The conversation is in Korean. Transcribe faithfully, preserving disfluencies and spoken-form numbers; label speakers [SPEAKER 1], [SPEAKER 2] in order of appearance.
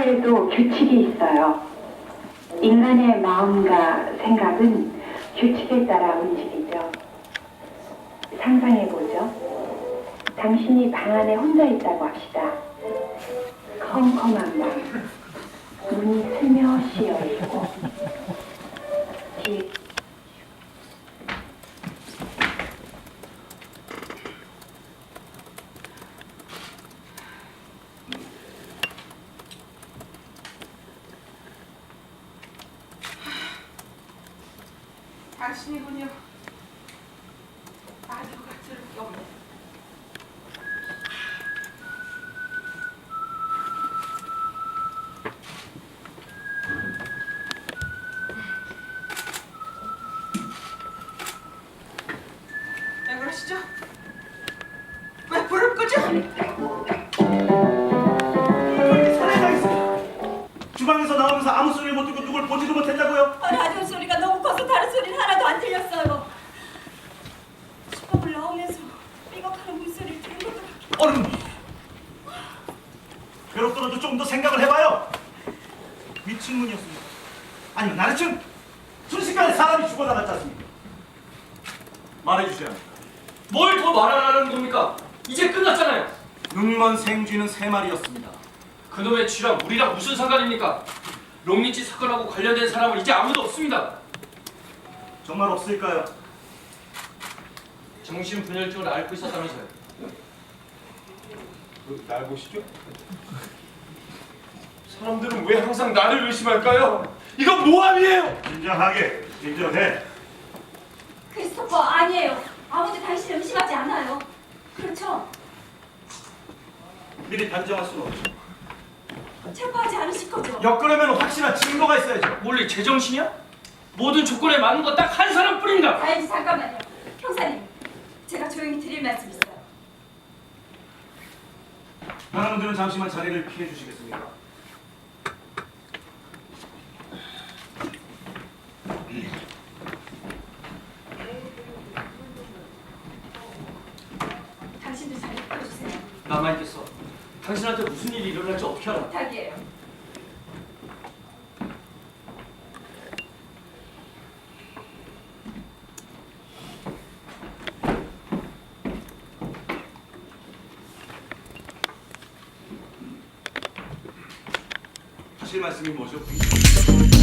[SPEAKER 1] 사회에도 규칙이 있어요. 인간의 마음과 생각은 규칙에 따라 움직이죠. 상상해보죠. 당신이 방 안에 혼자 있다고 합시다. 컴컴한 방, 문이 슬며시 열리고 뒤에
[SPEAKER 2] 당신이군요. 아주가 들을 게 없네. 왜 그러시죠? 왜 불을 끄죠?
[SPEAKER 3] 주방에서 나오면서 아무 소리를 못 듣고 누굴 보지도 못했다고요?
[SPEAKER 4] 아, 라디오 소리가 너무 커서 다른 소리는 하나도 안 들렸어요. 수업을 나오면서 삐걱하는 물소리를 들은 것도 같고.
[SPEAKER 3] 얼음! 괴롭더라도 좀 더 생각을 해봐요. 미친 문이었습니까? 아니면 나르층 순식간에 사람이 죽어나갔지 않습니까? 말해주셔야 합니다.
[SPEAKER 5] 뭘 더 말하라는 겁니까? 이제 끝났잖아요.
[SPEAKER 3] 눈먼 생쥐는 세 마리였습니다.
[SPEAKER 5] 그놈의 쥐랑 우리랑 무슨 상관입니까? 롱리치 사건하고 관련된 사람은 이제 아무도 없습니다.
[SPEAKER 3] 정말 없을까요?
[SPEAKER 5] 정신분열증을 앓고 있었다면서요.
[SPEAKER 6] 날 보시죠? 사람들은 왜 항상 나를 의심할까요? 이건 모함이에요!
[SPEAKER 3] 진정하게, 진정해.
[SPEAKER 4] 크리스토퍼 아니에요. 아무도 당신을 의심하지 않아요. 그렇죠?
[SPEAKER 3] 미리 단정할 수는 없죠.
[SPEAKER 4] 체포하지 않으실 거죠?
[SPEAKER 3] 엮으려면 확실한 증거가 있어야죠.
[SPEAKER 5] 원래 제정신이야? 모든 조건에 맞는 거 딱 한 사람뿐입니다.
[SPEAKER 4] 알지 잠깐만요. 형사님, 제가 조용히 드릴 말씀 있어요.
[SPEAKER 3] 여러분들은 잠시만 자리를 피해 주시겠습니까?
[SPEAKER 4] 당신들 자리 비켜주세요.
[SPEAKER 5] 나만 있겠어. 당신한테 무슨 일이 일어날지 어떻게 알아?
[SPEAKER 4] 부탁이에요.
[SPEAKER 3] 하실 말씀이 뭐죠?